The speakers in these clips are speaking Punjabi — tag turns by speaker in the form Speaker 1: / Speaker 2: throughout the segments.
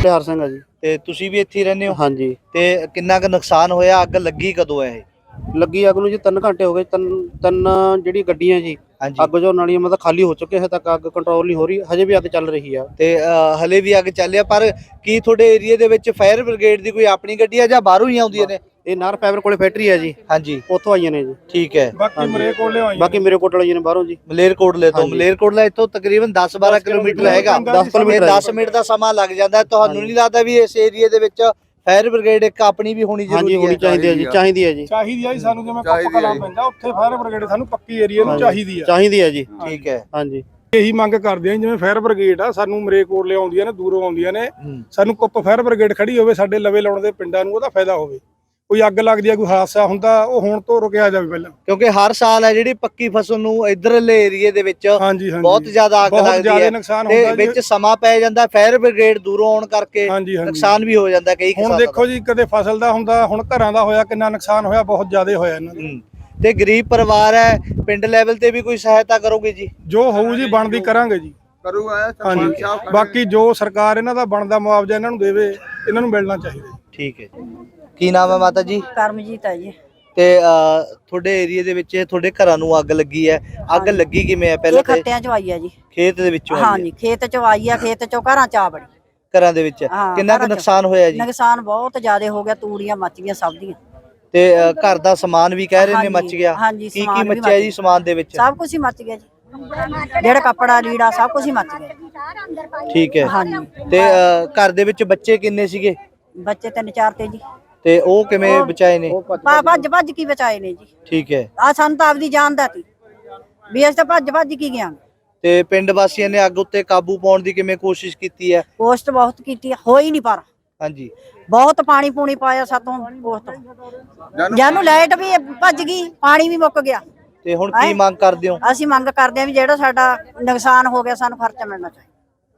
Speaker 1: ਬਿਹਾਰ ਸਿੰਘ ਆ ਜੀ।
Speaker 2: ਤੇ ਤੁਸੀਂ ਵੀ ਇੱਥੇ ਹੀ ਰਹਿੰਦੇ ਹੋ?
Speaker 1: ਹਾਂਜੀ।
Speaker 2: ਤੇ ਕਿੰਨਾ ਕੁ ਨੁਕਸਾਨ ਹੋਇਆ? ਅੱਗ ਲੱਗੀ ਕਦੋਂ ਹੈ ਇਹ?
Speaker 1: ਲੱਗੀ ਅੱਗ ਨੂੰ ਜੀ 3 ਘੰਟੇ ਹੋ ਗਏ। ਤਿੰਨ ਜਿਹੜੀ ਗੱਡੀਆਂ ਜੀ ਅੱਗ ਜੋ ਨਾਲੀਆਂ ਮਤਲਬ ਖਾਲੀ ਹੋ ਚੁੱਕੇ, ਹਜੇ ਤੱਕ ਅੱਗ ਕੰਟਰੋਲ ਨਹੀਂ ਹੋ ਰਹੀ, ਹਜੇ ਵੀ ਅੱਗ ਚੱਲ ਰਹੀ ਆ।
Speaker 2: ਤੇ ਹਲੇ ਵੀ ਅੱਗ ਚੱਲਿਆ, ਪਰ ਕੀ ਤੁਹਾਡੇ ਏਰੀਆ ਦੇ ਵਿੱਚ ਫਾਇਰ ਬ੍ਰਿਗੇਡ ਦੀ ਕੋਈ ਆਪਣੀ ਗੱਡੀ ਆ ਜਾਂ ਬਾਹਰੋਂ ਹੀ ਆਉਂਦੀਆਂ ਨੇ?
Speaker 1: ਇਹ ਨਾਰ ਫਾਈਬਰ ਕੋਲੇ ਫੈਕਟਰੀ ਹੈ ਜੀ।
Speaker 2: ਹਾਂਜੀ,
Speaker 1: ਉੱਥੋਂ ਆਈਆਂ ਨੇ ਜੀ।
Speaker 2: ਠੀਕ ਹੈ।
Speaker 1: ਬਾਕੀ ਮੇਰੇ ਕੋਲ ਆਈਆਂ ਨੇ ਬਾਹਰੋਂ ਜੀ।
Speaker 2: ਮਲੇਰਕੋਟਲੇ ਤੋਂ? ਮਲੇਰਕੋਟਲਾ ਇੱਥੋਂ ਤਕਰੀਬਨ 10-12 ਕਿਲੋਮੀਟਰ ਹੈਗਾ।
Speaker 1: 10 ਕਿਲੋਮੀਟਰ
Speaker 2: 10 ਮਿੰਟ ਦਾ ਸਮਾਂ ਲੱਗ ਜਾਂਦਾ। ਤੁਹਾਨੂੰ ਨਹੀਂ ਲੱਗਦਾ ਵੀ ਇਸ ਏਰੀਆ ਦੇ ਵਿੱਚ ਫਾਇਰ ਬ੍ਰਿਗੇਡ ਇੱਕ ਆਪਣੀ ਵੀ ਹੋਣੀ ਜ਼ਰੂਰੀ ਹੈ?
Speaker 1: ਹੋਣੀ ਚਾਹੀਦੀ ਹੈ ਜੀ। ਚਾਹੀਦੀ ਹੈ ਜੀ।
Speaker 3: ਚਾਹੀਦੀ ਹੈ ਜੀ। ਸਾਨੂੰ ਜਿਵੇਂ ਕੱਪ ਕਲਾ ਪੈਂਦਾ ਉੱਥੇ ਫਾਇਰ ਬ੍ਰਿਗੇਡ ਸਾਨੂੰ ਪੱਕੀ ਏਰੀਆ ਨੂੰ ਚਾਹੀਦੀ
Speaker 1: ਹੈ ਜੀ।
Speaker 2: ਠੀਕ ਹੈ।
Speaker 1: ਹਾਂਜੀ,
Speaker 3: ਇਹੀ ਮੰਗ ਕਰਦੇ ਆ ਜਿਵੇਂ ਫਾਇਰ ਬ੍ਰਿਗੇਡ ਆ ਸਾਨੂੰ ਮਲੇਰਕੋਟਲੇ ਆਉਂਦੀਆਂ ਨੇ, ਦੂਰੋਂ ਆਉਂਦੀਆਂ ਨੇ, ਸਾਨੂੰ ਕੁੱਪ ਫਾਇਰ ਬ੍ਰਿਗੇਡ ਖੜੀ ਹੋਵੇ ਸਾਡੇ ਲਵੇ ਲਾਉਣ ਦੇ ਪਿੰਡਾਂ ਨੂੰ, ਉਹਦਾ ਫਾਇਦਾ ਹੋਵੇ। ਕੋਈ ਅੱਗ ਲੱਗਦੀ ਆ, ਕੋਈ ਹਾਦਸਾ ਹੁੰਦਾ, ਉਹ ਹੁਣ ਤੋਂ ਰੁਕਿਆ ਜਾਵੇ ਪਹਿਲਾਂ,
Speaker 2: ਕਿਉਂਕਿ ਹਰ ਸਾਲ ਹੈ ਜਿਹੜੀ ਪੱਕੀ ਫਸਲ ਨੂੰ ਇਧਰਲੇ ਏਰੀਏ ਦੇ ਵਿੱਚ ਬਹੁਤ ਜ਼ਿਆਦਾ ਅੱਗ ਲੱਗਦੀ ਹੈ ਤੇ ਵਿੱਚ ਸਮਾਂ ਪੈ ਜਾਂਦਾ। ਫਾਇਰ ਬ੍ਰਿਗੇਡ ਦੂਰੋਂ ਆਉਣ ਕਰਕੇ ਨੁਕਸਾਨ ਵੀ ਹੋ ਜਾਂਦਾ ਕਈ ਕਿਸਾਨਾਂ ਦਾ।
Speaker 3: ਹੁਣ ਦੇਖੋ ਜੀ, ਕਦੇ ਫਸਲ ਦਾ ਹੁੰਦਾ, ਹੁਣ ਘਰਾਂ ਦਾ ਹੋਇਆ, ਕਿੰਨਾ ਨੁਕਸਾਨ ਹੋਇਆ, ਬਹੁਤ ਜ਼ਿਆਦਾ ਹੋਇਆ ਇਹਨਾਂ ਦਾ।
Speaker 2: ਤੇ ਗਰੀਬ ਪਰਿਵਾਰ ਹੈ, ਪਿੰਡ ਲੈਵਲ ਤੇ ਵੀ ਕੋਈ ਸਹਾਇਤਾ ਕਰੋਗੇ ਜੀ?
Speaker 3: ਜੋ ਹੋਊ ਜੀ ਬਣਦੀ ਕਰਾਂਗੇ ਜੀ। ਹਾਂਜੀ, ਬਾਕੀ ਜੋ ਸਰਕਾਰ ਇਹਨਾਂ ਦਾ ਬਣਦਾ ਮੁਆਵਜ਼ਾ ਇਹਨਾਂ ਨੂੰ ਦੇਵੇ, ਇਹਨਾਂ ਨੂੰ ਮਿਲਣਾ ਚਾਹੀਦਾ।
Speaker 2: ਠੀਕ ਹੈ ਜੀ। ਕੀ ਨਾਮ ਹੈ ਮਾਤਾ ਜੀ?
Speaker 4: ਕਰਮਜੀਤ ਹੈ ਜੀ।
Speaker 2: ਤੇ ਤੁਹਾਡੇ ਏਰੀਆ ਦੇ ਵਿੱਚ ਤੁਹਾਡੇ ਘਰਾਂ ਨੂੰ ਅੱਗ ਲੱਗੀ ਹੈ, ਅੱਗ ਲੱਗੀ ਕਿਵੇਂ ਹੈ? ਪਹਿਲਾਂ
Speaker 4: ਇਹ ਖੱਤਿਆਂ ਚ ਆਈ ਹੈ ਜੀ।
Speaker 2: ਖੇਤ ਦੇ ਵਿੱਚੋਂ?
Speaker 4: ਹਾਂਜੀ, ਖੇਤ ਚ ਆਈ ਆ, ਖੇਤ ਚੋਂ ਘਰਾਂ ਚ ਆ ਬੜੀ।
Speaker 2: ਘਰਾਂ ਦੇ ਵਿੱਚ ਕਿੰਨਾ ਕੁ ਨੁਕਸਾਨ ਹੋਇਆ ਜੀ?
Speaker 4: ਨੁਕਸਾਨ ਬਹੁਤ ਜ਼ਿਆਦਾ ਹੋ ਗਿਆ, ਤੂੜੀਆਂ ਮੱਚ ਗਈਆਂ ਸਭ ਦੀਆਂ।
Speaker 2: ਤੇ ਘਰ ਦਾ ਸਮਾਨ ਵੀ ਕਹਿ ਰਹੇ ਨੇ ਮੱਚ ਗਿਆ?
Speaker 4: ਹਾਂਜੀ,
Speaker 2: ਕੀ ਕੀ ਮੱਚਿਆ ਜੀ ਸਮਾਨ ਦੇ ਵਿੱਚ?
Speaker 4: ਸਭ ਕੁਝ ਹੀ ਮੱਚ ਗਿਆ ਜੀ, ਜਿਹੜਾ ਕੱਪੜਾ ਲੀੜਾ ਸਭ ਕੁਝ ਹੀ ਮੱਚ ਗਿਆ।
Speaker 2: ਠੀਕ ਹੈ।
Speaker 4: ਹਾਂਜੀ।
Speaker 2: ਤੇ ਘਰ ਦੇ ਵਿੱਚ ਬੱਚੇ ਕਿੰਨੇ ਸੀਗੇ?
Speaker 4: ਬੱਚੇ 3-4 ਤੇ ਜੀ।
Speaker 2: ਤੇ ਉਹ ਕਿਵੇਂ ਬਚਾਏ ਨੇ?
Speaker 4: ਭੱਜ ਕੀ ਬਚਾਏ ਨੇ ਜੀ।
Speaker 2: ਠੀਕ ਹੈ।
Speaker 4: ਆ ਸਾਨੂੰ ਤਾਂ ਆਪਦੀ ਜਾਨ ਦਾ ਸੀ ਵੀ ਅਸੀਂ ਤਾਂ ਭੱਜ ਕੀ ਗਿਆ।
Speaker 2: ਤੇ ਪਿੰਡ ਵਾਸੀਆਂ ਨੇ ਅੱਗ ਉੱਤੇ ਕਾਬੂ ਪਾਉਣ ਦੀ ਕਿਵੇਂ ਕੋਸ਼ਿਸ਼ ਕੀਤੀ ਹੈ?
Speaker 4: ਕੋਸ਼ਟ ਬਹੁਤ ਕੀਤੀ, ਹੋਈ ਨਹੀਂ ਪਰ।
Speaker 2: ਹਾਂਜੀ,
Speaker 4: ਬਹੁਤ ਪਾਣੀ ਪੂਣੀ ਪਾਇਆ ਸਾਤੋਂ ਬਹੁਤ, ਜਾਨੂੰ ਲਾਈਟ ਵੀ ਭੱਜ ਗਈ, ਪਾਣੀ ਵੀ ਮੁੱਕ ਗਿਆ।
Speaker 2: ਤੇ ਹੁਣ ਕੀ ਮੰਗ ਕਰਦੇ ਹੋ?
Speaker 4: ਅਸੀਂ ਮੰਗ ਕਰਦੇ ਹਾਂ ਵੀ ਜਿਹੜਾ ਸਾਡਾ ਨੁਕਸਾਨ ਹੋ ਗਿਆ ਸਾਨੂੰ ਖਰਚਾ ਮਿਲਣਾ ਚਾਹੀਦਾ।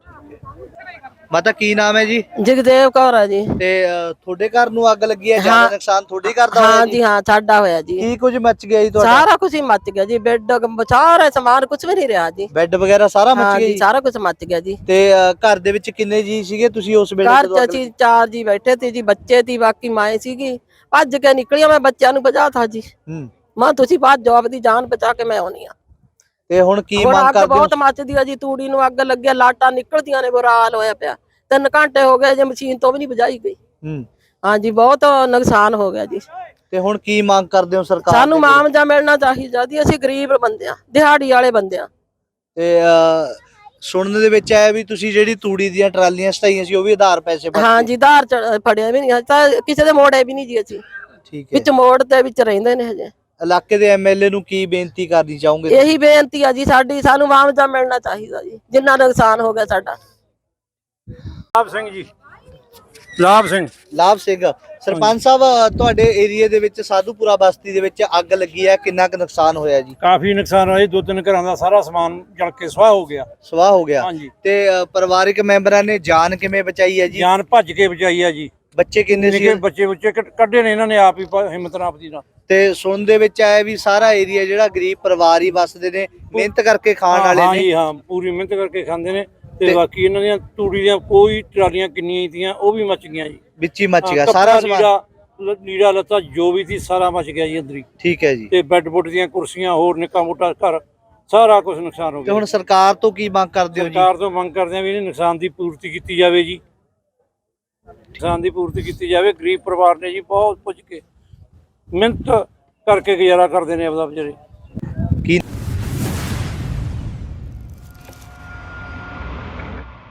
Speaker 2: ਮਾਤਾ ਕੀ ਨਾਮ ਹੈ ਜੀ?
Speaker 5: ਜਗਦੇਵ ਕੌਰ ਹੈ ਜੀ।
Speaker 2: ਤੇ ਤੁਹਾਡੇ ਘਰ ਨੂੰ ਅੱਗ ਲੱਗੀ ਹੈ? ਜ਼ਿਆਦਾ ਨੁਕਸਾਨ ਤੁਹਾਡੇ ਘਰ ਦਾ ਹੋਇਆ?
Speaker 5: ਹਾਂ ਜੀ, ਹਾਂ ਸਾਡਾ ਹੋਇਆ ਜੀ।
Speaker 2: ਕੀ ਕੁਝ ਮੱਚ ਗਿਆ ਜੀ ਤੁਹਾਡਾ?
Speaker 5: ਸਾਰਾ ਕੁਝ ਹੀ ਮੱਚ ਗਿਆ ਜੀ, ਬੈੱਡ ਸਾਰਾ ਸਮਾਨ ਕੁਝ ਵੀ ਨਹੀਂ ਰਿਹਾ ਜੀ।
Speaker 2: ਬੈੱਡ ਵਗੈਰਾ ਸਾਰਾ ਮੱਚ ਗਿਆ ਜੀ?
Speaker 5: ਸਾਰਾ ਕੁਝ ਮੱਚ ਗਿਆ ਜੀ।
Speaker 2: ਤੇ ਘਰ ਦੇ ਵਿੱਚ ਕਿੰਨੇ ਜੀ ਸੀਗੇ ਤੁਸੀਂ ਉਸ ਵੇਲੇ?
Speaker 5: ਘਰ ਚ ਅਸੀਂ 4 ਜੀ ਬੈਠੇ ਸੀ ਜੀ, ਬੱਚੇ ਸੀ, ਬਾਕੀ ਮਾਂ ਸੀਗੀ। ਭੱਜ ਕੇ ਨਿਕਲੀਆਂ, ਮੈਂ ਬੱਚਿਆਂ ਨੂੰ ਭਜਾਤਾ ਜੀ। ਮਾਂ ਤੁਸੀਂ ਬਾਅਦ ਜਵਾਬ ਦੀ ਜਾਨ ਬਚਾ ਕੇ ਮੈਂ ਆਉਣੀ ਆ।
Speaker 2: ਤੇ ਹੁਣ ਕੀ ਮੰਗ ਕਰਦੇ ਹੋ?
Speaker 5: ਬਹੁਤ ਮੱਚਦੀ ਆ ਜੀ, ਤੂੜੀ ਨੂੰ ਅੱਗ ਲੱਗਿਆ, ਲਾਟਾਂ ਨਿਕਲਦੀਆਂ ਨੇ, ਬੁਰਾ ਹਾਲ ਹੋਇਆ ਪਿਆ। 3 ਘੰਟੇ ਹੋ ਗਏ ਜੇ ਮਸ਼ੀਨ ਤੋਂ ਵੀ ਨਹੀਂ ਬੁਝਾਈ ਗਈ। ਹਾਂਜੀ, ਬਹੁਤ ਨੁਕਸਾਨ ਹੋ ਗਿਆ ਜੀ।
Speaker 2: ਤੇ ਹੁਣ ਕੀ ਮੰਗ ਕਰਦੇ ਹੋ ਸਰਕਾਰ?
Speaker 5: ਸਾਨੂੰ ਮੁਆਵਜ਼ਾ ਮਿਲਣਾ ਚਾਹੀਦਾ ਜੀ, ਅਸੀਂ ਗਰੀਬ ਬੰਦੇ ਆ, ਦਿਹਾੜੀ ਵਾਲੇ ਬੰਦੇ ਆ।
Speaker 2: ਤੇ ਸੁਣਨ ਦੇ ਵਿੱਚ ਆਇਆ ਵੀ ਤੁਸੀਂ ਜਿਹੜੀ ਤੂੜੀ ਦੀਆਂ ਟਰਾਲੀਆਂ ਸਟਾਈਆਂ ਸੀ ਉਹ ਵੀ ਆਧਾਰ ਪੈਸੇ ਭਰ?
Speaker 5: ਹਾਂਜੀ, ਆਧਾਰ ਫੜਿਆ ਵੀ ਨਹੀਂ, ਕਿਸੇ ਦੇ ਮੋੜੇ ਵੀ ਨਹੀਂ ਜੀ ਅਸੀਂ।
Speaker 2: ਠੀਕ ਹੈ।
Speaker 5: ਵਿੱਚ ਮੋੜ ਦੇ ਵਿੱਚ ਰਹਿੰਦੇ ਨੇ ਹਜੇ।
Speaker 2: ਇਲਾਕੇ ਦੇ ਐਮਐਲਏ ਨੂੰ ਕੀ ਬੇਨਤੀ ਕਰਨੀ ਚਾਹੋਗੇ?
Speaker 5: ਇਹੀ ਬੇਨਤੀ ਆ ਜੀ ਸਾਡੀ, ਸਾਨੂੰ ਮੁਆਵਜ਼ਾ ਮਿਲਣਾ ਚਾਹੀਦਾ ਜੀ, ਜਿੰਨਾ ਨੁਕਸਾਨ ਹੋ ਗਿਆ ਸਾਡਾ।
Speaker 3: ਲਾਭ ਸਿੰਘ ਜੀ। ਲਾਭ
Speaker 2: ਸਿੰਘ ਸਰਪੰਚ ਸਾਹਿਬ, ਤੁਹਾਡੇ ਏਰੀਆ ਦੇ ਵਿੱਚ ਸਾਧੂਪੁਰਾ ਬਸਤੀ ਦੇ ਵਿੱਚ ਅੱਗ ਲੱਗੀ ਹੈ, ਕਿੰਨਾ ਕੁ ਨੁਕਸਾਨ ਹੋਇਆ ਜੀ?
Speaker 3: ਕਾਫੀ ਨੁਕਸਾਨ ਹੋਇਆ, 2-3 ਘਰਾਂ ਦਾ ਸਾਰਾ ਸਮਾਨ ਜਲ ਕੇ ਸੁਆਹ ਹੋ ਗਿਆ।
Speaker 2: ਸੁਆਹ ਹੋ ਗਿਆ?
Speaker 3: ਹਾਂਜੀ।
Speaker 2: ਤੇ ਪਰਿਵਾਰਕ ਮੈਂਬਰਾਂ ਨੇ ਜਾਨ ਕਿਵੇਂ ਬਚਾਈ ਹੈ ਜੀ?
Speaker 3: ਜਾਨ ਭੱਜ ਕੇ ਬਚਾਈ ਆ ਜੀ।
Speaker 2: ਬੱਚੇ ਕਿੰਨੇ ਸੀ?
Speaker 3: ਬੱਚੇ ਕੱਢੇ ਨੇ ਇਹਨਾਂ ਨੇ ਆਪ ਹੀ, ਹਿੰਮਤ ਨਾਲ ਆਪਦੀ ਨਾਲ।
Speaker 2: ਤੇ ਸੁਣ ਦੇ ਵਿੱਚ ਆਇਆ ਵੀ ਸਾਰਾ ਏਰੀਆ ਜਿਹੜਾ ਗਰੀਬ ਪਰਿਵਾਰ ਹੀ ਵਸਦੇ ਨੇ, ਮਿਹਨਤ ਕਰਕੇ ਖਾਣ ਵਾਲੇ ਨੇ।
Speaker 3: ਹਾਂਜੀ, ਹਾਂ ਪੂਰੀ ਮਿਹਨਤ ਕਰਕੇ ਖਾਂਦੇ ਨੇ। ਤੇ ਬਾਕੀ ਇਹਨਾਂ ਦੀਆਂ ਤੂੜੀ ਦੀਆਂ ਕੋਈ ਟਰਾਲੀਆਂ ਕਿੰਨੀਆਂ ਹੀ ਤੀਆਂ, ਉਹ ਵੀ ਮੱਚ ਗਈਆਂ ਜੀ।
Speaker 2: ਵਿੱਚ ਹੀ ਮੱਚ ਗਿਆ ਸਾਰਾ ਸਮਾਨ?
Speaker 3: ਲੀੜਾ ਲੱਤਾ ਜੋ ਵੀ ਸੀ ਸਾਰਾ ਮੱਚ ਗਿਆ ਜੀ ਅੰਦਰ ਹੀ।
Speaker 2: ਠੀਕ ਹੈ ਜੀ।
Speaker 3: ਤੇ ਬੈੱਡ ਬੁੱਡ ਦੀਆਂ ਕੁਰਸੀਆਂ, ਹੋਰ ਨਿੱਕਾ ਮੋਟਾ ਘਰ, ਸਾਰਾ ਕੁਝ ਨੁਕਸਾਨ ਹੋ ਗਿਆ।
Speaker 2: ਤੇ ਹੁਣ ਸਰਕਾਰ ਤੋਂ ਕੀ ਮੰਗ ਕਰਦੇ ਹੋ ਜੀ?
Speaker 3: ਸਰਕਾਰ ਤੋਂ ਮੰਗ ਕਰਦੇ ਆ ਵੀ ਇਹਨੇ ਨੁਕਸਾਨ ਦੀ ਪੂਰਤੀ ਕੀਤੀ ਜਾਵੇ ਜੀ। ਨੁਕਸਾਨ ਦੀ ਪੂਰਤੀ ਕੀਤੀ ਜਾਵੇ। ਗਰੀਬ ਪਰਿਵਾਰ ਨੇ ਜੀ ਬਹੁਤ ਪੁੱਜ ਕੇ ਮਿਹਨਤ ਕਰਕੇ ਗੁਜ਼ਾਰਾ ਕਰਦੇ ਨੇ ਆਪਦਾ ਵਿਚਾਰੇ।
Speaker 2: ਕੀ